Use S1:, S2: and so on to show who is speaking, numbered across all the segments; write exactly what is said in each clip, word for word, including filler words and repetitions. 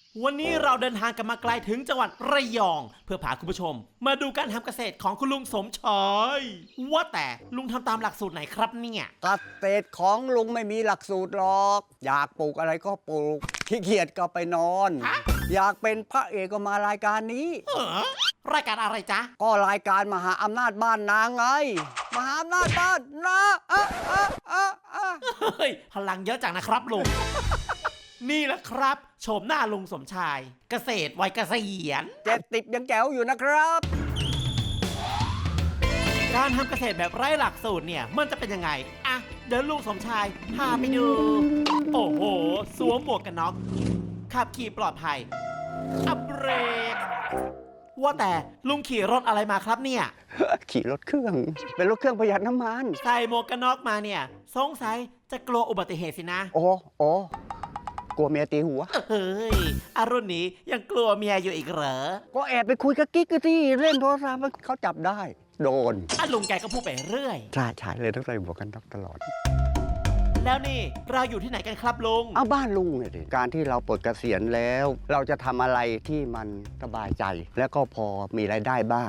S1: วันนี้เราเดินทางกันมาไกลถึงจังหวัดระยอง เพื่อพาคุณผู้ชม มาดูการทำเกษตรของคุณลุงสมชายว่าแต่ลุงทำตามหลักสูตรไหนครับเนี่ย
S2: เกษตรของลุงไม่มีหลักสูตรหรอก อยากปลูกอะไรก็ปลูกขี้เกียจก็ไปนอน อยากเป็นพระเอกก็มารายการนี้
S1: เออรายการอะไรจ๊ะ
S2: ก็รายการมหาอำนาจบ้านนาไง มหาอำนาจบ้านนาอะอะอะอะ
S1: เฮ้ยพลังเยอะจังนะครับลุง นี่แหละครับโฉมหน้าลุงสมชาย เกษตรวัยเกษียณ
S2: เจ็ดติบยังแจ๋วอยู่นะครับ
S1: การทำเกษตรแบบไร้หลักสูตรเนี่ยมันจะเป็นยังไงอ่ะเดี๋ยวลุงสมชายพาไปดู โอ้โหสวมหมวกกันน็อกขับขี่ปลอดภัยอัปเบรกว่าแต่ลุงขี่รถอะไรมาครับเนี่ย
S2: ขี่รถเครื่อง เป็นรถเครื่องประหยัดน้ำมัน
S1: ใส่หมวกกันน็อกมาเนี่ยสงสัยจะกลัวอุบัติเหตุสินะ
S2: โอ้โอ้กลัวเมียตีหัว
S1: เฮ้ยอารุ่นนี้ยังกลัวเมียอยู่อีกเหรอ
S2: ก็แอบไปคุยกับกิ๊กกันที่เล่นโทรศัพท์เขาจับได้ โดน
S1: อ่ะลุงแกก็พูดไปเรื่อย
S2: ใช่ใช่เลยต้องใส่หมวกกันน็อกตลอด
S1: แล้วนี่เราอยู่ที่ไหนกันครับลุง
S2: เอาบ้านลุงเนี่ยดิการที่เราปลดเกษียณแล้ว เราจะทำอะไรที่มันสบายใจ แล้วก็พอมีรายได้บ้าง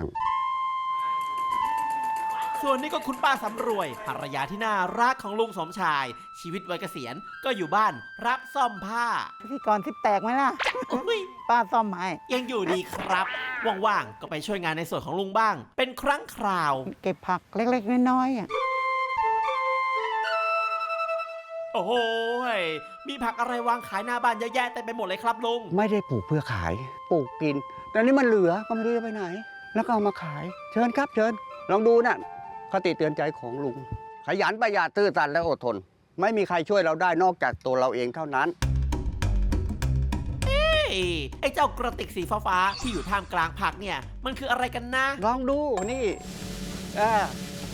S1: ส่วนนี้ก็คุณป้าสำรวยภรรยาที่น่ารักของลุงสมชาย ชีวิตวัยเกษียณก็อยู่บ้านรับซ่อมผ้า
S3: พี่กรทิปแตกไหมล่ะ
S1: อุ๊ย
S3: ป้าซ่อมให้
S1: ยังอยู่ดีครับ ว่างๆก็ไปช่วยงานในส่วนของลุงบ้าง เป็นครั้งคราว
S3: เก็บผักเล็กๆน้อยๆอ่ะ
S1: โอ้โหยมีผักอะไรวางขายหน้าบ้านเยอะแยะเต็มไปหมดเลยครับลุง
S2: ไม่ได้ปลูกเพื่อขาย ปลูกกิน แต่นี่มันเหลือก็ไม่รู้จะไปไหน แล้วก็เอามาขาย เชิญครับเชิญ ลองดูนะ่ะคติเตือนใจของลุง ขยันประหยัดซื่อสัตย์และอดทน ไม่มีใครช่วยเราได้นอกจากตัวเราเองเท่านั้น
S1: เอ้ยไอ้เจ้ากระติกสีฟ้าๆที่อยู่ท่ามกลางผักเนี่ย มันคืออะไรกันนะ
S2: ลองดูนี่อ่า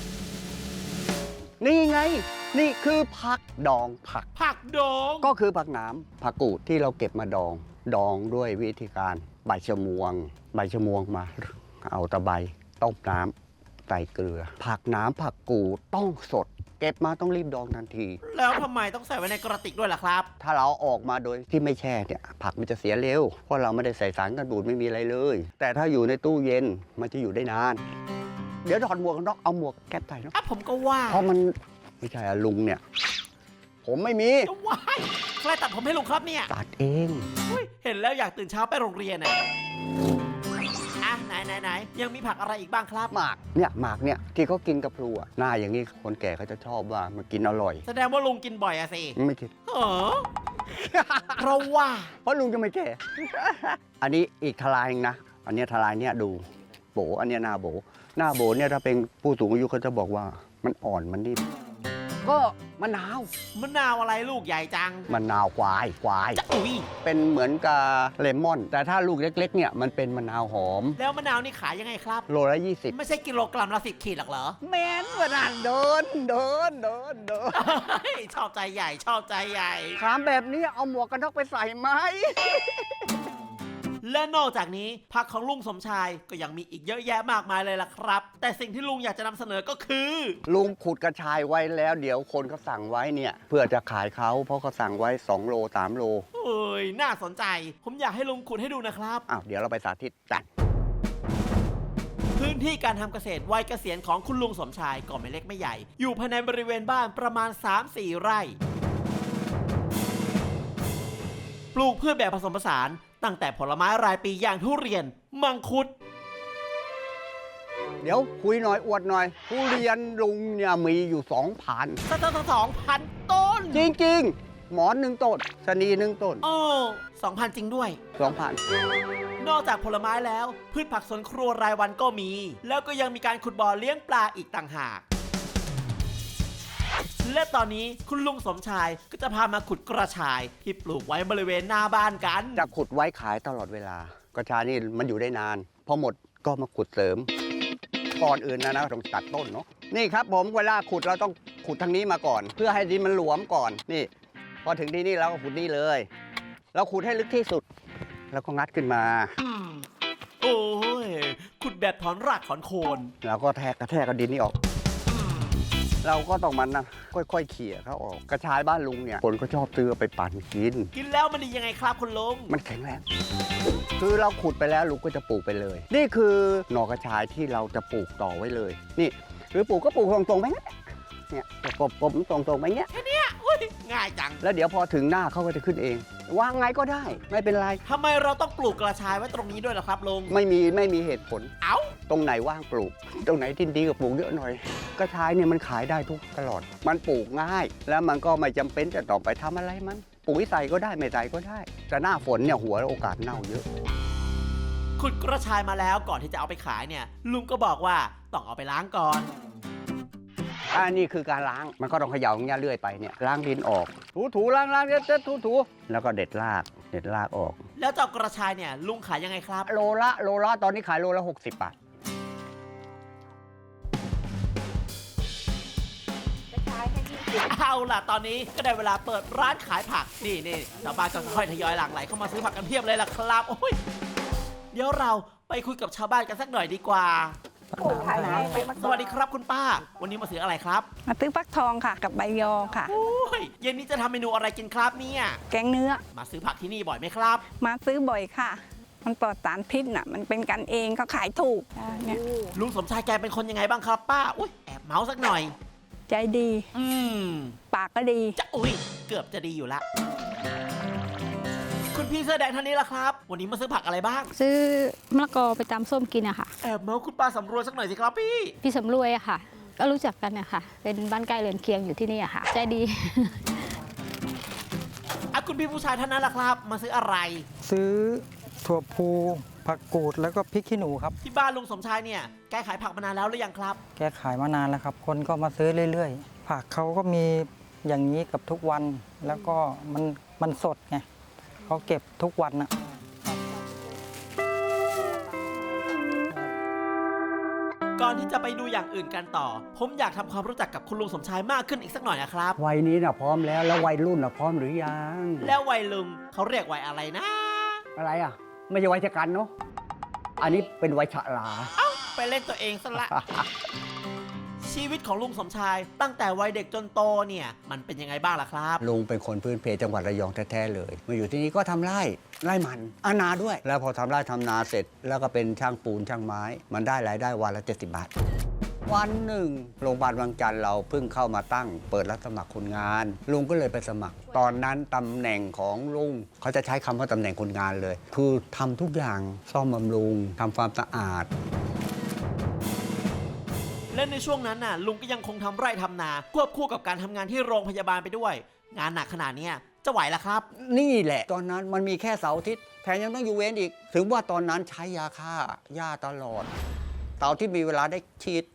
S2: นี่ไง นี่คือผักดองผัก
S1: ผักดอง
S2: ก็คือผักหนามผักกูดที่เราเก็บมาดอง ดองด้วยวิธีการใบชะมวง ใบชะมวงมา เอาตะไบต้มน้ำใส่เกลือ ผักหนามผักกูดต้องสด เก็บมาต้องรีบดองทันที
S1: แล้วทำไมต้องใส่ไว้ในกระติกด้วยล่ะครับ
S2: ถ้าเราออกมาโดยที่ไม่แช่เนี่ยผักมันจะเสียเร็ว เพราะเราไม่ได้ใส่สารกันบูดไม่มีอะไรเลย แต่ถ้าอยู่ในตู้เย็นมันจะอยู่ได้นาน เดี๋ยวถอดหมวกกันน็อกเอาหมวกแก๊ปใส่เนาะ
S1: อ่ะผมก็ว่า
S2: เพราะมันไม่ใช่อะลุงเนี่ย ผมไม่มี
S1: จะว่ายใครตัดผมให้ลุงครับเนี่ย
S2: ตัดเอง
S1: อุ๊ยเห็นแล้วอยากตื่นเช้าไปโรงเรียนอ่ะอ่ะไหนไหนไหนยังมีผักอะไรอีกบ้างครับ
S2: หมากเนี่ยหมากเนี่ยที่เขากินกับพลูอะหน้าอย่างนี้คนแก่เขาจะชอบว่ามันกินอร่อย
S1: แสดงว่าลุงกินบ่อยอะสิ
S2: ไม่คิด
S1: เออเพราะว่า
S2: เพราะลุงจะไม่แก่ อันนี้อีกทลายหนึงนะ อันเนี้ยทลายเนี่ยดูโบอันเนี้ยหน้าโบหน้าโบเนี่ยถ้าเป็นผู้สูงอายุเขาจะบอกว่ามันอ่อนมันนิ่มก็มะนาว
S1: มะนาวอะไรลูกใหญ่จัง
S2: มะนาวควายควาย
S1: จะอุ้ย
S2: เป็นเหมือนกับเลมอน แต่ถ้าลูกเล็ก ๆ เนี่ยมันเป็นมะนาวหอม
S1: แล้วมะนาวนี่ขายยังไงครับ
S2: โลละยี่สิบ
S1: ไม่ใช่กิโลกรัมละสิบขีดหรอกเหรอ
S2: แม่นกว่านั้นเดินเดินเดินเดิน
S1: เฮ้ยชอบใจใหญ่ชอบใจใหญ่
S2: ถามแบบนี้เอาหมวกกันน็อกไปใส่ไหม
S1: และนอกจากนี้ผักของลุงสมชายก็ยังมีอีกเยอะแยะมากมายเลยล่ะครับ แต่สิ่งที่ลุงอยากจะนำเสนอก็คือ
S2: ลุงขุดกระชายไว้แล้ว เดี๋ยวคนเขาสั่งไว้เนี่ย เพื่อจะขายเขาเพราะเขาสั่งไว้สองโลสามโล
S1: เอ้ยน่าสนใจ ผมอยากให้ลุงขุดให้ดูนะครับ
S2: อ้าวเดี๋ยวเราไปสาธิตกัน
S1: พื้นที่การทำเกษตรวัยเกษียณของคุณลุงสมชายก็ไม่เล็กไม่ใหญ่ อยู่ภายในบริเวณบ้านประมาณ สามสี่ ไร่ ปลูกพืชแบบผสมผสานตั้งแต่ผลไม้รายปีอย่างทุเรียน มังคุด
S2: เดี๋ยวคุยหน่อยอวดหน่อยทุเรียนลุงเนี่ยมีอยู่สองพัน
S1: สักตั้งสองพันต้น
S2: จริงๆ หมอนหนึ่งต้นชะนีหนึ่งต้น
S1: โอ้สองพันจริงด้วย
S2: สองพัน
S1: นอกจากผลไม้แล้ว พืชผักสวนครัวรายวันก็มี แล้วก็ยังมีการขุดบ่อเลี้ยงปลาอีกต่างหาก และตอนนี้คุณลุงสมชายก็จะพามาขุดกระชายที่ปลูกไว้บริเวณหน้าบ้านกัน
S2: จะขุดไว้ขายตลอดเวลากระชายนี่มันอยู่ได้นาน พอหมดก็มาขุดเสริม ก่อนอื่นนะนะต้องตัดต้นเนาะนี่ครับผมเวลาขุดเราต้องขุดทางนี้มาก่อน เพื่อให้ดินมันหลวมก่อนนี่ พอถึงที่นี่เราก็ขุดนี่เลย เราขุดให้ลึกที่สุด แล้วก็งัดขึ้นมา
S1: โอ้ยขุดแบบถอนรากถอนโคน
S2: แล้วก็แทกกระแทกกับดินนี่ออก เราก็ต้องมันนะค่อยๆเขี่ยเขาออกกระชายบ้านลุงเนี่ยคนก็ชอบซื้อไปปั่นกิน
S1: กินแล้วมันดียังไงครับคุณลุง
S2: มันแข็งแรง คือเราขุดไปแล้วลุงก็จะปลูกไปเลย นี่คือหน่อกระชายที่เราจะปลูกต่อไว้เลย นี่หรือปลูกก็ปลูกตรงๆไปงั้นเนี่ยกบๆตรงๆไปเงี้ย
S1: อุ้ยง่ายจัง
S2: แล้วเดี๋ยวพอถึงหน้าเขาก็จะขึ้นเองวางไงก็ได้ไม่เป็นไร
S1: ทำไมเราต้องปลูกกระชายไว้ตรงนี้ด้วยล่ะครับลุง
S2: ไม่มีไม่มีเหตุผล
S1: เอ้า
S2: ตรงไหนว่างปลูก ตรงไหนที่ดีก็ปลูกเยอะหน่อย กระชายเนี่ยมันขายได้ทุกตลอด มันปลูกง่าย แล้วมันก็ไม่จำเป็นจะต้องไปทำอะไรมันปุ๋ยใส่ก็ได้ไม่ใส่ก็ได้ แต่หน้าฝนเนี่ยหัวโอกาสเน่าเยอะ
S1: ขุดกระชายมาแล้วก่อนที่จะเอาไปขายเนี่ย ลุงก็บอกว่าต้องเอาไปล้างก่อน
S2: อันนี้คือการล้าง มันก็ต้องเขย่าอย่างเงี้ยเรื่อยไปเนี่ย ล้างดินออก ถูถูล้างล้างเด็ดเด็ดถูถูแล้วก็เด็ดราก เด็ดรากออก
S1: แล้วเจ้ากระชายเนี่ยลุงขายยังไงครับ
S2: โลละโลละตอนนี้ขายโลละหกสิบบาท
S1: เอาล่ะตอนนี้ก็ได้เวลาเปิดร้านขายผัก นี่นี่ชาวบ้านก็ค่อยทยอยหลั่งไหลเข้ามาซื้อผักกันเพียบเลยล่ะครับโอ้ยเดี๋ยวเราไปคุยกับชาวบ้านกันสักหน่อยดีกว่า สวัสดีครับคุณป้า วันนี้มาซื้ออะไรครับ
S4: มาซื้อฟักทองค่ะ กับใบยอค่ะ
S1: โอ้ยเย็นนี้จะทำเมนูอะไรกินครับเนี่ย
S4: แกงเนื้อ
S1: มาซื้อผักที่นี่บ่อยไหมครับ
S4: มาซื้อบ่อยค่ะ มันปลอดสารพิษน่ะ มันเป็นกันเองเขาขายถูกอ่าเนี่ย
S1: ลุงสมชายแกเป็นคนยังไงบ้างครับป้าอุ้ยแอบเมาส์สักหน่อย
S4: ใจดี
S1: อืม
S4: ปากก็ดี
S1: จะอุ้ยเกือบจะดีอยู่ละคุณพี่เสื้อแดงท่านนี้ล่ะครับ วันนี้มาซื้อผักอะไรบ้าง
S5: ซื้อมะละกอไปตำส้มกินอะค่ะ
S1: แอบเมาส์คุณป้าสำรวจสักหน่อยสิครับพี่
S5: พี่สำรวยอะค่ะ ก็รู้จักกันอะค่ะ เป็นบ้านใกล้เรือนเคียงอยู่ที่นี่อะค่ะ ใจดี
S1: อ่ะคุณพี่ผู้ชายท่านนั้นล่ะครับ มาซื้ออะไร
S6: ซื้อถั่วพูผักกูดแล้วก็พริกขี้หนูครับ
S1: ที่บ้านลุงสมชายเนี่ยแกขายผักมานานแล้วหรือยังครับ
S6: แกขายมานานแล้วครับ คนก็มาซื้อเรื่อยๆ ผักเขาก็มีอย่างนี้กับทุกวัน แล้วก็มันมันสดไงเขาเก็บทุกวันนะ
S1: ก่อนที่จะไปดูอย่างอื่นกันต่อ ผมอยากทำความรู้จักกับคุณลุงสมชายมากขึ้นอีกสักหน่อยนะครับ
S2: วัยนี้นะพร้อมแล้วแล้ววัยรุ่นนะพร้อมหรือยัง
S1: แล้ววัยลุงเขาเรียกวัยอะไรนะ
S2: อะไรอ่ะ ไม่ใช่วัยชะกันเนาะอันนี้เป็นวัยฉลา
S1: ไปเล่นตัวเองซะละ ชีวิตของลุงสมชายตั้งแต่วัยเด็กจนโตเนี่ยมันเป็นยังไงบ้างล่ะครับ
S2: ลุงเป็นคนพื้นเพจังหวัดระยองแท้ๆเลย มาอยู่ที่นี่ก็ทำไร่ไร่มันอานาด้วย แล้วพอทำไร่ทำนาเสร็จ แล้วก็เป็นช่างปูนช่างไม้ มันได้รายได้วันละเจ็ดสิบบาท วันหนึ่งโรงพยาบาลวังจันทร์เราเพิ่งเข้ามาตั้ง เปิดรับสมัครคนงาน ลุงก็เลยไปสมัคร ตอนนั้นตำแหน่งของลุงเขาจะใช้คำว่าตำแหน่งคนงานเลย คือทำทุกอย่างซ่อมบำรุงทำความสะอาด
S1: และในช่วงนั้นน่ะลุงก็ยังคงทำไร่ทำนาควบคู่กับการทำงานที่โรงพยาบาลไปด้วย งานหนักขนาดเนี้ยจะไหวล่ะครับ
S2: นี่แหละ ตอนนั้นมันมีแค่เสาร์อาทิตย์แถมยังต้องอยู่เวรอีก ถึงว่าตอนนั้นใช้ยาฆ่าหญ้าตลอดเสาร์ที่มีเวลาได้ฉีด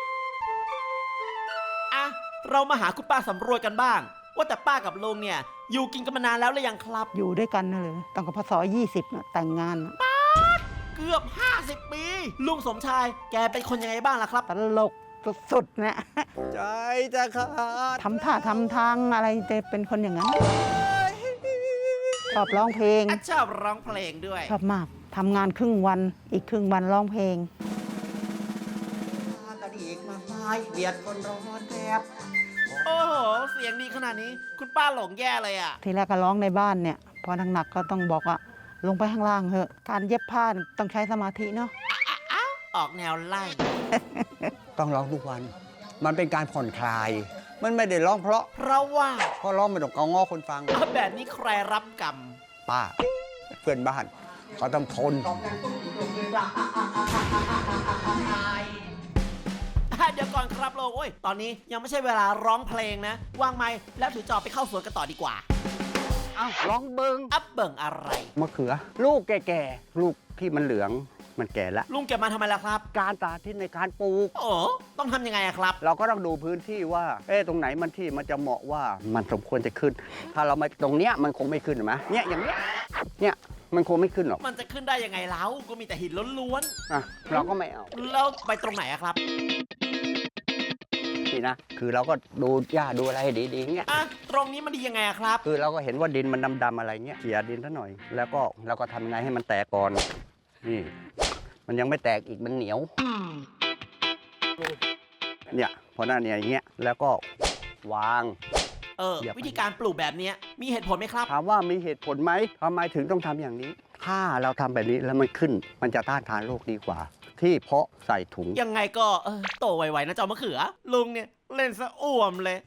S1: อ่ะเรามาหาคุณป้าสำรวจกันบ้าง ว่าแต่ป้ากับลุงเนี่ยอยู่กินกันมานานแล้วหรือยังครับ
S3: อยู่ด้วยกันน่ะเลยตั้งแต่พศยี่สิบน่ะแต่งงานน่ะ
S1: เกือบห้าสิบปี ลุงสมชายแกเป็นคนยังไงบ้างล่ะครับ
S3: ตลกสุดๆนะ
S2: ใจจะขาด
S3: ทำท่าทำทางอะไรจะเป็นคนอย่างนั้น ชอบร้องเพลง
S1: อ่ะชอบร้องเพลงด้วย
S3: ชอบมากทำงานครึ่งวันอีกครึ่งวันร้องเพลง
S2: กันอีกมากมายเบียดคนร้อนแทบ
S1: โอ้โห เสียงดีขนาดนี้ คุณป้าหลงแย่เลยอ่ะ
S3: ทีแรกก็ร้องในบ้านเนี่ย พอหนักๆก็ต้องบอกว่าลงไปข้างล่างเถอะ การเย็บผ้าต้องใช้สมาธิเนาะ
S1: ออกแนวไล่
S2: ต้องร้องทุกวัน มันเป็นการผ่อนคลาย มันไม่ได้ร้องเพราะ
S1: เพราะว่า
S2: เพราะร้องไม่ต้องเกางอคนฟัง
S1: แบบนี้ใครรับกรรม
S2: ป้า เพื่อนบ้านเขาต้องทน
S1: เดี๋ยวก่อนครับโลงโอ้ย ตอนนี้ยังไม่ใช่เวลาร้องเพลงนะ วางไม้แล้วถือจอบไปเข้าสวนกันต่อดีกว่า
S2: เอ้าร้องเบิง
S1: อัพเบิ่งอะไร
S2: มะเขือ ลูกแก่ๆ ลูกที่มันเหลือง มันแก่แล้ว
S1: ลุงเก็บมาทำไมล่ะครับ
S2: การสาธิตในการปลูก
S1: โอ้ต้องทำยังไงอะครับ
S2: เราก็ต้องดูพื้นที่ว่า เอ๊ะตรงไหนมันที่มันจะเหมาะว่ามันสมควรจะขึ้น ถ้าเราไม่ตรงเนี้ยมันคงไม่ขึ้นเห็นไหมเนี่ยอย่างเนี้ย เนี่ยมันคงไม่ขึ้นหรอก
S1: มันจะขึ้นได้ยังไงเล้าก็มีแต่หินล้วน
S2: อ่ะเราก็ไม่เอา
S1: ๆ แล้วไปตรงไหนอะครับ
S2: นี่นะ คือเราก็ดูหญ้าดูอะไรให้ดีๆเงี้ย
S1: อ่ะ ตรงนี้มันดียังไงอะครับ
S2: คือเราก็เห็นว่าดินมันดำๆอะไรเงี้ยเขี่ยดินซะหน่อย แล้วก็เราก็ทำไงให้มันแตกก่อน นี่ มันยังไม่แตกอีกมันเหนียว เนี่ยพอหน้าเนี่ยอย่างเงี้ย แล้วก็วาง
S1: เออ
S2: อย่าไป
S1: วิธีการปลูกแบบเนี้ยมีเหตุผลไหมครับ
S2: ถามว่ามีเหตุผลไหมทำไมถึงต้องทำอย่างนี้ ถ้าเราทำแบบนี้แล้วมันขึ้น มันจะต้านทานโรคดีกว่า ที่เพาะใส่ถุง
S1: ยังไงก็เออโตไวๆนะเจ้ามะเขือ ลุงเนี่ยเล่นสะอ่วมเลย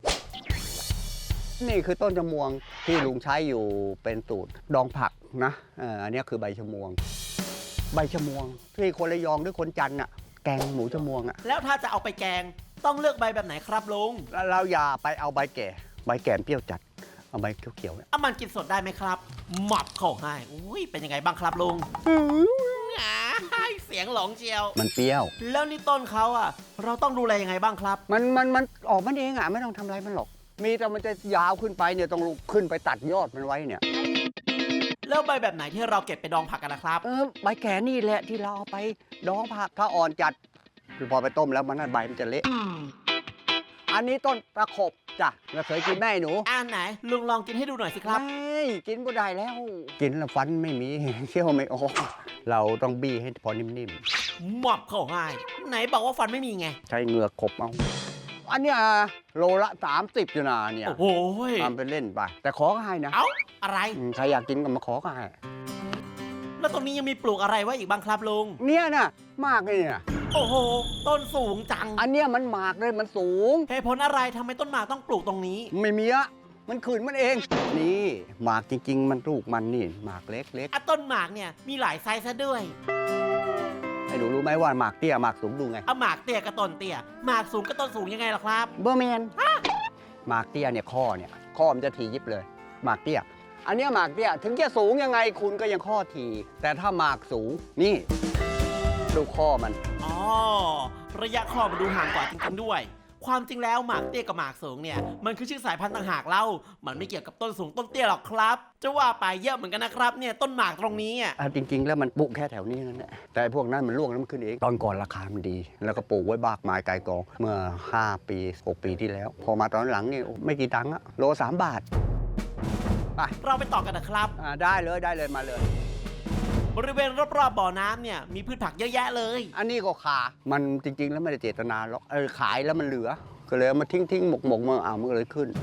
S2: นี่คือต้นชะมวงที่ลุงใช้อยู่เป็นสูตรดองผักนะเอออันนี้คือใบชะมวง ใบชะมวงที่คนระยองหรือคนจันทร์น่ะแกงหมูชะมวงอ่ะ
S1: แล้วถ้าจะเอาไปแกงต้องเลือกใบแบบไหนครับลุง
S2: แล้วเราอย่าไปเอาใบแก่ ใบแก่เปรี้ยวจัด เอาใบเขียวๆเนี่ย
S1: เอามันกินสดได้ไหมครับหมับเข้าให้อุ้ยเป็นยังไงบ้างครับลุงอ้ายเสียงหลงเจียว
S2: มันเปรี้ยว
S1: แล้วนี่ต้นเขาอ่ะ เราต้องดูแลยังไงบ้างครับ
S2: มันมันมันออกมันเองอ่ะไม่ต้องทำอะไรมันหรอก มีแต่มันจะยาวขึ้นไปเนี่ยต้องลุกขึ้นไปตัดยอดมันไว้เนี่ย
S1: แล้วใบแบบไหนที่เราเก็บไปดองผักกันนะครับ
S2: เออใบแก่นี่แหละที่เราเอาไปดองผักถ้าอ่อนจัดคือพอไปต้มแล้วมันนั่นใบมันจะเละ อันนี้ต้นตะขบจ้ะเราเคยกินแม่หนู
S1: อ่านไหนลุงลองกินให้ดูหน่อยสิครับ
S2: ไม่กินก็ได้แล้ว กินแล้วฟันไม่มี เคี้ยวไม่ออกเราต้องบี้ให้พอนิ่ม
S1: หมับเข้าให้ไหนบอกว่าฟันไม่มีไง
S2: ๆ ใช้เหงือกขบเอา อันเนี้ยโลละสามสิบอยู่นะเนี่ย
S1: โอ้โหย
S2: ทำเป็นเล่นไป แต่ขอก็ให้นะ
S1: เอ้าอะไร
S2: อืมใครอยากกินก็มาขอก็ให้
S1: แล้วตรงนี้ยังมีปลูกอะไรไว้อีกบ้างครับลุง
S2: เนี่ยน่ะมากเลยเนี่ย
S1: โอ้โห ต้นสูงจัง
S2: อันเนี้ยมันหมากเลยมันสูง
S1: เหตุผลอะไรทำไมต้นหมากต้องปลูกตรงนี้
S2: ไม่มีอะมันขืนมันเอง นี่หมากจริง ๆ มันลูกมันนี่หมากเล็ก
S1: อ่ะต้นหมากเนี่ยมีหลายไซส์ซะด้วย
S2: ๆให้หนูรู้ไหมว่าหมากเตี้ยหมากสูงดูไง
S1: เอาหมากเตี้ยกับต้นเตี้ยหมากสูงกับต้นสูงยังไงล่ะครับ
S2: เบอร์แมนหมากเตี้ยเนี่ยข้อเนี่ยข้อมันจะถี่ยิบเลยหมากเตี้ย อันเนี้ยหมากเตี้ยถึงจะสูงยังไงคุณก็ยังข้อถี่แต่ถ้าหมากสูงนี่ดูข้อมัน
S1: อ๋อ ระยะคอมันดูห่างกว่าจริงๆด้วย ความจริงแล้วหมากเตี้ยกับหมากสูงเนี่ยมันคือชื่อสายพันธุ์ต่างหากเล่ามันไม่เกี่ยวกับต้นสูงต้นเตี้ยหรอกครับ จะว่าไปเยอะเหมือนกันนะครับเนี่ยต้นหมากตรงนี้อ่ะ
S2: อ่ะจริง ๆ แล้วมันปลูกแค่แถวนี้นั่นแหละแต่พวกนั้นมันร่วงแล้วมันขึ้นเองตอนก่อนราคามันดี แล้วก็ปลูกไว้บากไม้ไกลกองเมื่อห้าปีหกปีที่แล้ว พอมาตอนหลังนี่ไม่กี่ตังค์อะโลสามบาทไป
S1: เราไปต่อกันนะครับ
S2: อ่าได้เลยได้เลยมาเลย
S1: บริเวณรอบๆบ่อน้ำเนี่ยมีพืชผักเยอะแยะเลย
S2: อันนี้ก็ขามันจริง ๆ แล้วไม่ได้เจตนาหรอกเออขายแล้วมันเหลือ ก็เลยเอามาทิ้งทิ้งหมกหมกมาอ่ามันก็เลยขึ้น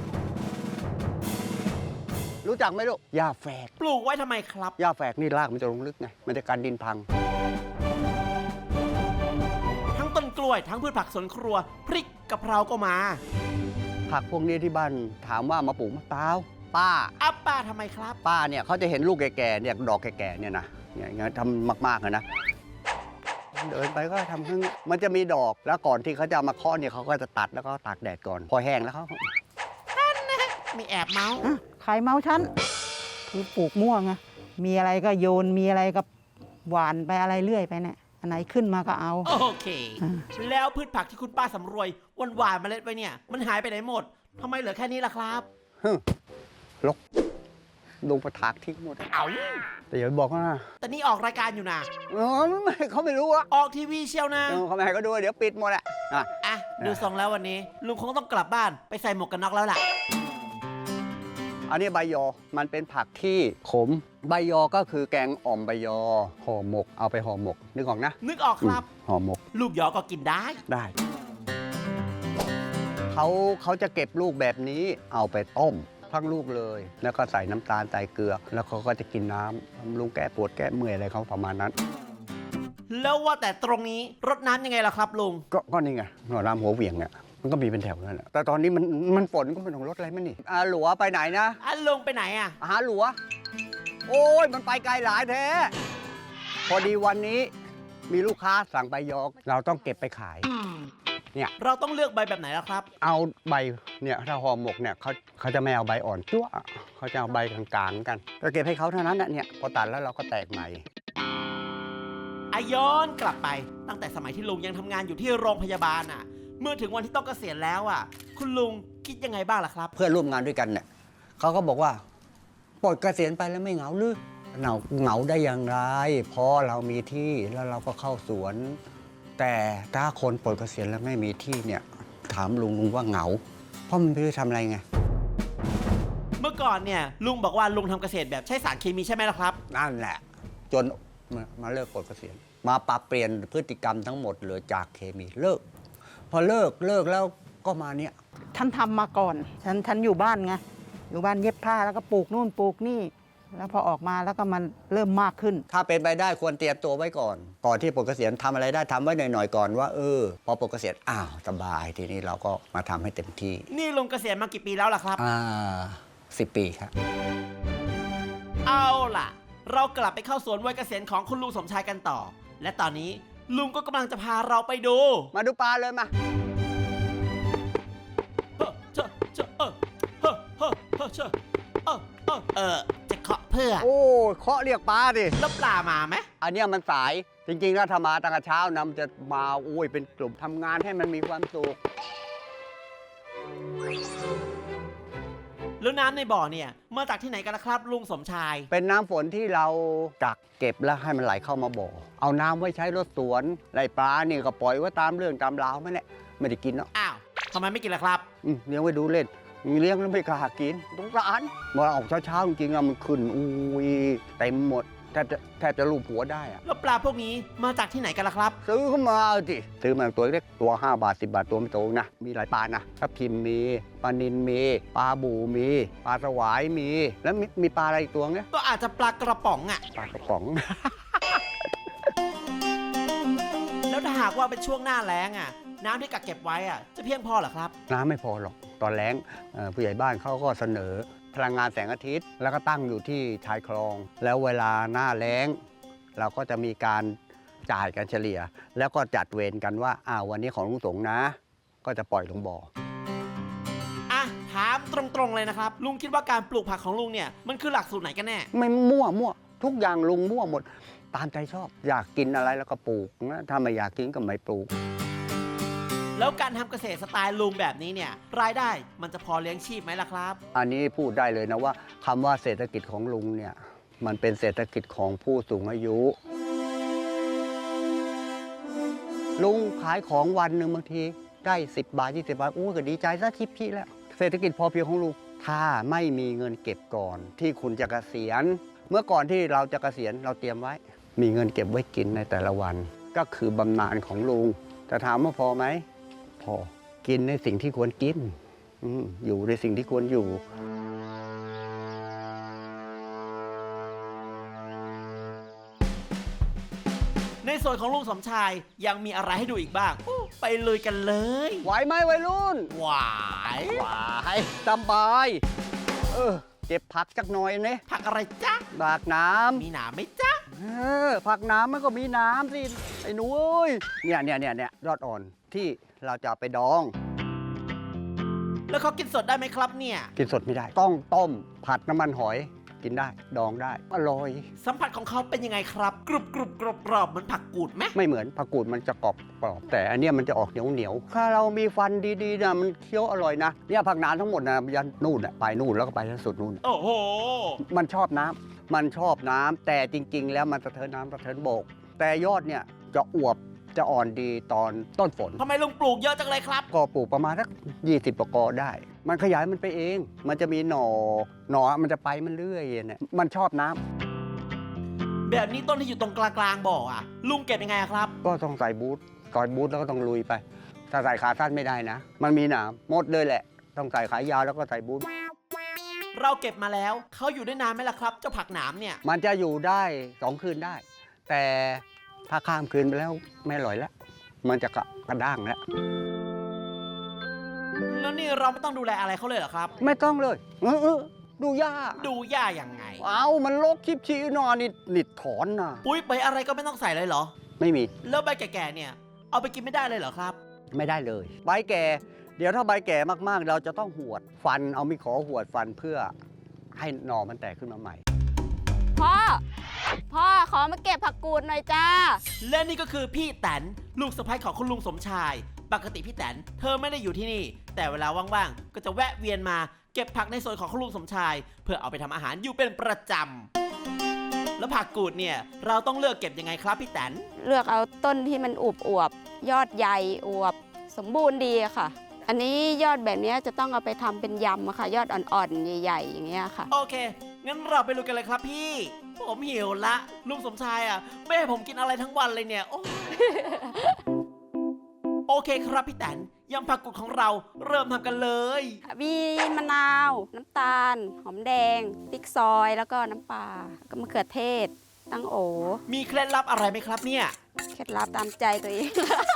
S2: รู้จักไหมลูกหญ้าแฝก
S1: ปลูกไว้ทำไมครับ
S2: หญ้าแฝกนี่รากมันจะลงลึกไงมันจะกันดินพัง
S1: ทั้งต้นกล้วยทั้งพืชผักสวนครัว พริกกะเพราก็มา
S2: ผักพวกนี้ที่บ้านถามว่ามาปลูกมะพร้าวป้า
S1: อัปป้าทำไมครับ
S2: ป้าเนี่ยเขาจะเห็นลูกแก่ๆเนี่ยดอกแก่ๆเนี่ยนะเนี่ยอย่างนั้นทำมากๆเลยนะเดินไปก็ทำข้างมันจะมีดอกแล้วก่อนที่เขาจะเอามาเคาะเนี่ยเขาก็จะตัดแล้วก็ตากแดดก่อน พอแห้งแล้วเขา
S1: มีแอบเมาส์
S3: อ่ะใครเมาฉันคือปลูกม่วงอะมีอะไรก็โยนมีอะไรก็หวานไปอะไรเรื่อยไปเนี่ยอันไหนขึ้นมาก็เอา
S1: โอเค
S3: อ่า
S1: แล้วพืชผักที่คุณป้าสำรวยวันหวานๆเมล็ดไว้เนี่ย มันหายไปไหนหมดทำไมเหลือแค่นี้ล่ะครับ
S2: ฮึลกลงประถากทิ้งหมด
S1: เอา
S2: แต่อย่าบอกนะ
S1: แต่นี่ออกรายการอยู่นะ
S2: เออไม่เขาไม่รู้อะ
S1: ออกทีวีเชียวนะ
S2: เออเขาไม่ให้เขาดูเดี๋ยวปิดหมดอะอ่ะ
S1: อ่ะ ดูทรงแล้ววันนี้ ลุงคงต้องกลับบ้านไปใส่หมวกกันน็อกแล้วล่ะ
S2: อันนี้ใบยอมันเป็นผักที่ขมใบยอก็คือแกงอ่อมใบยอห่อหมกเอาไปห่อหมกนึกออกนะ
S1: นึกออกครับ
S2: อืมห่อหมก
S1: ลูกยอก็กินได้
S2: ได้เขาเขาจะเก็บลูกแบบนี้เอาไปต้มทั้งลูกเลย แล้วก็ใส่น้ำตาลใส่เกลือ แล้วเขาก็จะกินน้ำบำรุงแก้ปวดแก้เมื่อยอะไรเขาประมาณนั้น
S1: แล้วว่าแต่ตรงนี้รดน้ำยังไงล่ะครับลุง
S2: ก็ก็นี่ไงหน่อรามหัวเหวี่ยงเนี่ยมันก็มีเป็นแถวนั่นแหละแต่ตอนนี้มันมันฝนก็ไม่ต้องรถอะไรมั้งนี่อาหลัวไปไหนนะ
S1: อ่ะลุงไปไหนอ่ะ
S2: หาหลัว โอ้ยมันไปไกลหลายแท้ พอดีวันนี้มีลูกค้าสั่งใบยอกเราต้องเก็บไปขาย
S1: เราต้องเลือกใบแบบไหนล่ะครับ
S2: เอาใบเนี่ยถ้าห่อหมกเนี่ยเขาเขาจะไม่เอาใบอ่อนจั่วเขาจะเอาใบกลางๆกัน ก็เก็บให้เขาเท่านั้นนะเนี่ยพอตัดแล้วเราก็แตกใหม่
S1: อาย้อนกลับไปตั้งแต่สมัยที่ลุงยังทำงานอยู่ที่โรงพยาบาลอ่ะ เมื่อถึงวันที่ต้องเกษียณแล้วอ่ะ คุณลุงคิดยังไงบ้างล่ะครับ
S2: เพื่อนร่วมงานด้วยกันเนี่ยเขาก็บอกว่าปลดเกษียณไปแล้วไม่เหงาหรือเหงาเหงาได้อย่างไรเพราะเรามีที่แล้วเราก็เข้าสวน แต่ถ้าคนปลดเกษียณแล้วไม่มีที่เนี่ยถามลุงลุงว่าเหงา เพราะมันไม่รู้ทำอะไรไง
S1: เมื่อก่อนเนี่ยลุงบอกว่าลุงทำเกษตรแบบใช้สารเคมีใช่ไหมล่ะครับ
S2: นั่นแหละ จนมามาเลิกปลดเกษียณมาปรับเปลี่ยนพฤติกรรมทั้งหมดเลยจากเคมีเลิก พอเลิกเลิกแล้วก็มาเนี่ย
S3: ฉันทำมาก่อน ฉันฉันอยู่บ้านไง อยู่บ้านเย็บผ้าแล้วก็ปลูกนู่นปลูกนี่ แล้วพอออกมาแล้วก็มันเริ่มมากขึ้น
S2: ถ้าเป็นไปได้ควรเตรียมตัวไว้ก่อน ก่อนที่ปลดเกษียณทำอะไรได้ทำไว้หน่อยๆก่อนว่าเออพอปลดเกษียณอ้าวสบายทีนี้เราก็มาทำให้เต็มที่
S1: นี่ลุงเกษียณมากี่ปีแล้วล่ะครับ
S2: อ่าสิบปีครับ
S1: เอาล่ะ เรากลับไปเข้าสวนวัยเกษียณของคุณลุงสมชายกันต่อ และตอนนี้ลุงก็กำลังจะพาเราไปดู
S2: มาดูปลาเลยมา
S1: เฮ้อเจ้อเจ้อเออเฮ้อเฮ้อเฮ้อเจ้อเออเออเออจะเคาะเพื่อ
S2: โอ้เคาะเรียกปลาดิ
S1: แล้วปลามาไหม
S2: อันเนี้ยมันสายจริงๆแล้วถ้ามาตั้งแต่เช้านะมันจะมาโอ้ยเป็นกลุ่มทำงานให้มันมีความสุข
S1: แล้วน้ำในบ่อเนี่ยมาจากที่ไหนกันล่ะครับ ลุงสมชาย
S2: เป็นน้ำฝนที่เรากักเก็บแล้วให้มันไหลเข้ามาบ่อ เอาน้ำไว้ใช้รดสวนไล่ปลานี่ก็ปล่อยไว้ตามเรื่องตามราวไม่แหละไม่ได้กินเนาะ
S1: อ้าวทำไมไม่กินล่ะครับ
S2: อืมเลี้ยงไว้ดูเล่นเลี้ยงแล้วไม่กล้ากินสงสารมาออกเช้าๆจริงๆอะมันขึ้นอุ้ยเต็มหมดแทบจะแทบจะลูบหัวได้อะ
S1: แล้วปลาพวกนี้มาจากที่ไหนกันล่ะครับ
S2: ซื้อเข้ามาสิซื้อมาตัวเล็กตัวห้าบาทสิบบาทตัวไม่โตนะมีหลายปลานะทับทิมมีปลานิลมีปลาบูมีปลาสวายมี แล้วมีมีปลาอะไรอีกตัวเนี้ย
S1: ก็อาจจะปลากระป๋องอ่ะ
S2: ปลากระป๋อง
S1: แล้วถ้าหากว่าเป็นช่วงหน้าแล้งอ่ะ น้ำที่กักเก็บไว้อ่ะจะเพียงพอเหรอครับ
S2: น้ำไม่พอหรอก ตอนแล้งเอ่อผู้ใหญ่บ้านเขาก็เสนอพลังงานแสงอาทิตย์ แล้วก็ตั้งอยู่ที่ชายคลอง แล้วเวลาหน้าแล้ง เราก็จะมีการจ่ายกันเฉลี่ย แล้วก็จัดเวรกันว่าอ้าววันนี้ของลุงสงนะ ก็จะปล่อยลงบ่อ
S1: อ่ะถามตรงๆเลยนะครับ ลุงคิดว่าการปลูกผักของลุงเนี่ยมันคือหลักสูตรไหนกันแน่
S2: ไม่มั่วมั่วทุกอย่างลุงมั่วหมด ตามใจชอบ อยากกินอะไรแล้วก็ปลูกนะถ้าไม่อยากกินก็ไม่ปลูก
S1: แล้วการทำเกษตรสไตล์ลุงแบบนี้เนี่ยรายได้มันจะพอเลี้ยงชีพไหมล่ะครับ
S2: อันนี้พูดได้เลยนะว่าคำว่าเศรษฐกิจของลุงเนี่ยมันเป็นเศรษฐกิจของผู้สูงอายุ ลุงขายของวันหนึ่งบางทีได้สิบบาทยี่สิบบาทโอ้ก็ดีใจซะทิพย์แล้ว เศรษฐกิจพอเพียงของลุงถ้าไม่มีเงินเก็บก่อน ที่คุณจะเกษียณ เมื่อก่อนที่เราจะเกษียณเราเตรียมไว้ มีเงินเก็บไว้กินในแต่ละวัน ก็คือบำนาญของลุงแต่ถามว่าพอไหมพอกินในสิ่งที่ควรกินอืมอยู่ในสิ่งที่ควรอยู่
S1: ในส่วนของลุงสมชายยังมีอะไรให้ดูอีกบ้างอู้ไปเลยกันเลย
S2: ไหวไหมวัยรุ่น
S1: หวาย
S2: ไหวสบาย เออเก็บผักจักหน่อยเนี่ย
S1: ผักอะไรจ๊ะ
S2: บากน้
S1: มีหนามไหมจ๊ะ
S2: ำเออผักน้ำมันก็มีน้ำสิ ไอ้หนูเอ้ยเนี่ยเนี่ยเนี่ยเนี่ยยอดอ่อนที่เราจะเอาไปดอง
S1: แล้วเขากินสดได้ไหมครับเนี่ย
S2: กินสดไม่ได้ ต้องต้มผัดน้ำมันหอยกินได้ ดองได้ อร่อย
S1: สัมผัสของเขาเป็นยังไงครับ กรุบกรุบกรอบกรอบเหมือนผักกูดไหม
S2: ไม่เหมือนผักกูดมันจะกรอบกรอบแต่อันเนี้ยมันจะออกเหนียวเหนียวถ้าเรามีฟันดีๆนะมันเคี้ยวอร่อยนะเนี่ยผักน้ำทั้งหมดนะยันนู่นน่ะไปนู่นแล้วก็ไปที่สุดนู่น
S1: โอ้โห
S2: มันชอบน้ำ มันชอบน้ำ แต่จริง ๆ แล้วมันสะเทินน้ำสะเทินบก แต่ยอดเนี่ยจะอวบ จะอ่อนดีตอนต้นฝน
S1: ทำไมลุงปลูกเยอะจังเลยครับ
S2: ก็ปลูกประมาณสักยี่สิบกอได้ มันขยายมันไปเอง มันจะมีหน่อ หน่อมันจะไปมันเรื่อยเนี่ยมันชอบน้ำ
S1: แบบนี้ต้นที่อยู่ตรงกลางๆบ่ออ่ะ ลุงเก็บยังไงอะครับ
S2: ก็ต้องใส่บูทก่อนบูทแล้วก็ต้องลุยไป ถ้าใส่ขาสั้นไม่ได้นะ มันมีหนามหมดเลยแหละ ต้องใส่ขายาวแล้วก็ใส่บูท
S1: เราเก็บมาแล้วเขาอยู่ได้นานไหมล่ะครับ เจ้าผักหนามเนี่ย
S2: มันจะอยู่ได้สองคืนได้ แต่ถ้าข้ามคืนไปแล้วไม่อร่อยแล้ว มันจะกระกระด้างแล้ว
S1: แล้วนี่เราไม่ต้องดูแลอะไรเขาเลยเหรอครับ
S2: ไม่ต้องเลยเออเออดูยาก
S1: ดูหญ้ายังไง
S2: เอามันลกชิบชีนอนนี่นิดถอนนะ
S1: ปุ๋ยไปอะไรก็ไม่ต้องใส่เลยเหรอ
S2: ไม่มี
S1: แล้วใบแก่ๆเนี่ย เอาไปกินไม่ได้เลยเหรอครับ
S2: ไม่ได้เลย ใบแก่ เดี๋ยวถ้าใบแก่มากๆ เราจะต้องหวดฟัน เอามีขอหวดฟันเพื่อให้หน่อมันแตกขึ้นมาใหม่
S5: พ่อ พ่อขอมาเก็บผักกูดหน่อยจ้า
S1: และนี่ก็คือพี่แตนลูกสะใภ้ของคุณลุงสมชาย ปกติพี่แตนเธอไม่ได้อยู่ที่นี่ แต่เวลาว่างๆ ก็จะแวะเวียนมาเก็บผักในสวนของคุณลุงสมชาย เพื่อเอาไปทำอาหารอยู่เป็นประจำ แล้วผักกูดเนี่ยเราต้องเลือกเก็บยังไงครับพี่แตน
S5: เลือกเอาต้นที่มันอวบอวบๆยอดใหญ่อวบสมบูรณ์ดีอะค่ะ อันนี้ยอดแบบนี้จะต้องเอาไปทำเป็นยำอะค่ะ ยอดอ่อนๆใหญ่ๆอย่างเงี้ยค่ะ
S1: โอเค งั้นเราไปลุยกันเลยครับพี่ ผมหิวละลุงสมชายอ่ะไม่ให้ผมกินอะไรทั้งวันเลยเนี่ยโอ้โอเคครับพี่แตนยำผักกูดของเราเริ่มทำกันเลย
S5: มีมะนาว น้ำตาล หอมแดงพริกซอยแล้วก็น้ำปลาก็มะเขือเทศ ตั้งโอ
S1: มีเคล็ดลับอะไรไหมครับเนี่ย
S5: เคล็ดลับตามใจตัวเอง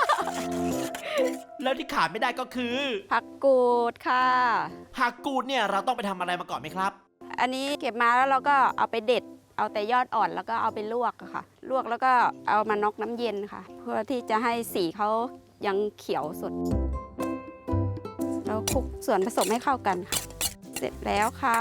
S1: แล้วที่ขาดไม่ได้ก็คือ
S5: ผักกูดค่ะ
S1: ผักกูดเนี่ยเราต้องไปทำอะไรมาก่อนไหมครับ
S5: อันนี้เก็บมาแล้วเราก็เอาไปเด็ด เอาแต่ยอดอ่อนแล้วก็เอาไปลวกอะค่ะ ลวกแล้วก็เอามาน็อกน้ำเย็นค่ะ เพื่อที่จะให้สีเขายังเขียวสดแล้วคลุกส่วนผสมให้เข้ากันค่ะ เสร็จแล้วค่ะ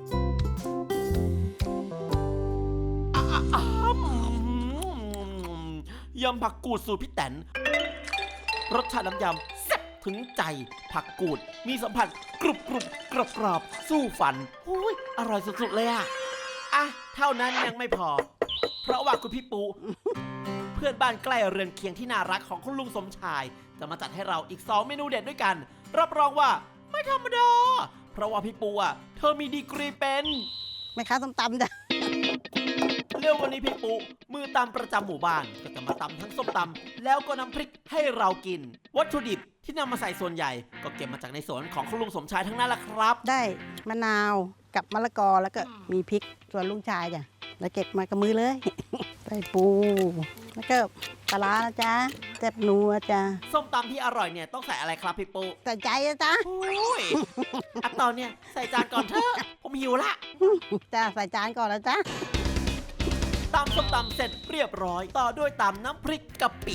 S1: อ้ำยำผักกูดสูตรพี่แตนรสชาติน้ำยำแซ่บถึงใจผักกูดมีสัมผัสกรุบกรุบกรอบกรอบสู้ฟันอุ้ยอร่อยสุดๆเลยอะอ่ะเท่านั้นยังไม่พอ เพราะว่าคุณพี่ปู เพื่อนบ้านใกล้เรือนเคียงที่น่ารักของคุณลุงสมชายจะมาจัดให้เราอีกสองเมนูเด็ดด้วยกัน รับรองว่าไม่ธรรมดาเพราะว่าพี่ปูอ่ะเธอมีดีกรีเป็น
S3: แม่ค้าส้มตำจ้ะ
S1: เรื่องวันนี้พี่ปูมือตำประจำหมู่บ้านก็จะมาตำทั้งส้มตำแล้วก็น้ำพริกให้เรากิน วัตถุดิบที่นำมาใส่ส่วนใหญ่ ก็เก็บมาจากในสวนของคุณลุงสมชายทั้งนั้นแหละครับ
S3: ได้มะนาวกับมะละกอแล้วก็มีพริกส่วนลุงชายจ้ะแล้วเก็บมากับมือเลย ใส่ปู แล้วก็ปลาร้านะจ๊ะแซ่บนัวจ้ะ
S1: ส้มตำที่อร่อยเนี่ยต้องใส่อะไรครับพี่ปู
S3: ใส่ใจนะจ๊ะ
S1: โอ้ยอ่ะตอนเนี่ยใส่จานก่อนเถอะผมหิวละ
S3: จ้ะใส่จานก่อนนะจ๊ะ
S1: ตำส้มตำเสร็จเรียบร้อย ต่อด้วยตำน้ำพริกกะปิ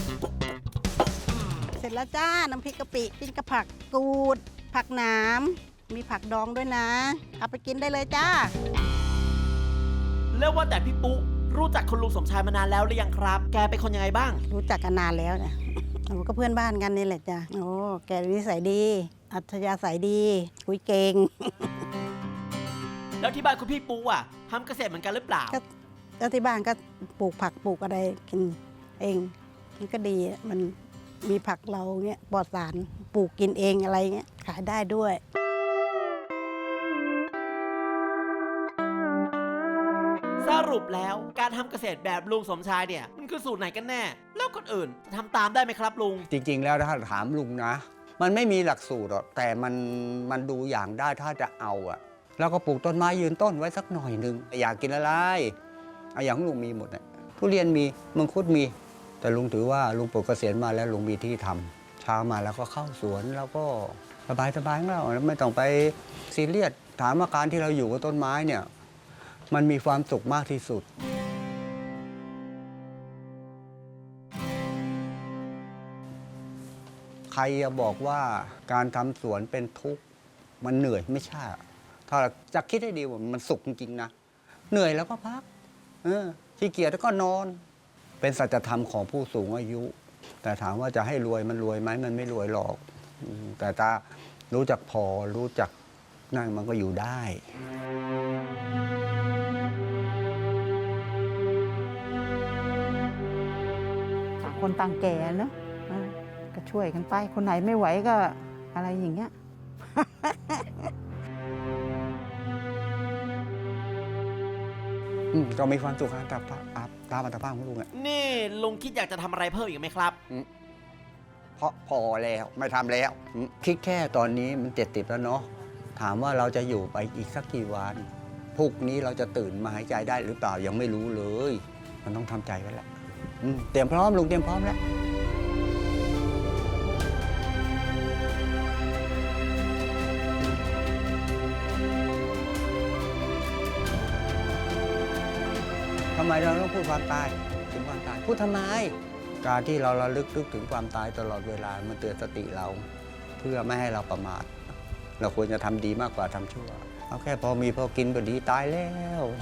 S3: เสร็จแล้วจ้า น้ำพริกกะปิกินกับผักกูด ผักหนามมีผักดองด้วยนะ เอาไปกินได้เลยจ้า
S1: แล้วว่าแต่พี่ปุ๊รู้จักคุณลุงสมชายมานานแล้วหรือยังครับ แกเป็นคนยังไงบ้าง
S3: รู้จักกันนานแล้วจ้ะ เราก็เพื่อนบ้านกันนี่แหละจ้ะ โอ้แกนิสัยดี อัธยาศัยดี คุยเก่ง
S1: แล้วที่บ้านคุณพี่ปุ๊อ่ะทำเกษตรเหมือนกันหรือเปล่า
S3: ก็ ก็ที่บ้านก็ปลูกผักปลูกอะไรกินเองมันก็ดีอะมันมีผักเราเงี้ยปลอดสารปลูกกินเองอะไรเงี้ยขายได้ด้วย
S1: สรุปแล้วการทำเกษตรแบบลุงสมชายเนี่ยมันคือสูตรไหนกันแน่ แล้วคนอื่นจะทำตามได้ไหมครับลุง
S2: จริงๆ แล้วถ้าถามลุงนะ มันไม่มีหลักสูตรหรอกแต่มันมันดูอย่างได้ถ้าจะเอาอะแล้วก็ปลูกต้นไม้ยืนต้นไว้สักหน่อยหนึงอยากกินอะไรเอาอย่างของลุงมีหมดเนี่ยทุเรียนมีมังคุดมี แต่ลุงถือว่าลุงปลูกเกษียณมาแล้วลุงมีที่ทำเช้ามาแล้วก็เข้าสวนแล้วก็สบายสบายๆของเราไม่ต้องไปซีเรียสถามว่าการที่เราอยู่กับต้นไม้เนี่ยมันมีความสุขมากที่สุด ใครจะบอกว่าการทำสวนเป็นทุกข์มันเหนื่อยไม่ใช่ ถ้าจะคิดให้ดีว่ามันสุขจริงๆนะ เหนื่อยแล้วก็พักเออขี้เกียจแล้วก็นอน เป็นสัจธรรมของผู้สูงอายุ แต่ถามว่าจะให้รวยมันรวยไหมมันไม่รวยหรอกอืมแต่ถ้ารู้จักพอรู้จักนั่นมันก็อยู่ได้
S3: ต่างคนต่างแก่เนอะเออก็ช่วยกันไป คนไหนไม่ไหวก็อะไรอย่างเงี้ย
S2: อืมก็มีความสุขตามตามอัตภาพของลุงอะ
S1: นี่ลุงคิดอยากจะทำอะไรเพิ่มอีกไหมครับ
S2: เพราะพอแล้วไม่ทำแล้วอืมคิดแค่ตอนนี้มันเจ็ดสิบแล้วเนาะถามว่าเราจะอยู่ไปอีกสักกี่วันพรุ่งนี้เราจะตื่นมาหายใจได้หรือเปล่ายังไม่รู้เลย มันต้องทำใจไว้แล้วอืมเตรียมพร้อมลุงเตรียมพร้อมแล้วทำไมเราต้องพูดความตายถึงความตายพูดทำไม การที่เราระลึกนึกถึงความตายตลอดเวลามันเตือนสติเรา เพื่อไม่ให้เราประมาท เราควรจะทำดีมากกว่าทำชั่ว เอาแค่พอมีพอกินก็ดีตายแล้ว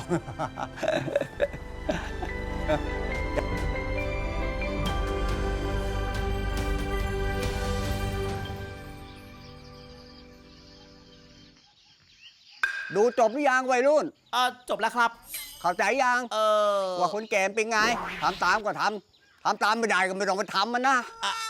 S2: ดูจบหรือยังวัยรุ่น
S1: เออจบแล้วครับ
S2: เข้าใจยัง
S1: เออ
S2: ว่าคนแก่เป็นไงทำตามก็ทำทำตามไม่ได้ก็ไม่ต้องไปทำมันนะ
S1: อ่ะ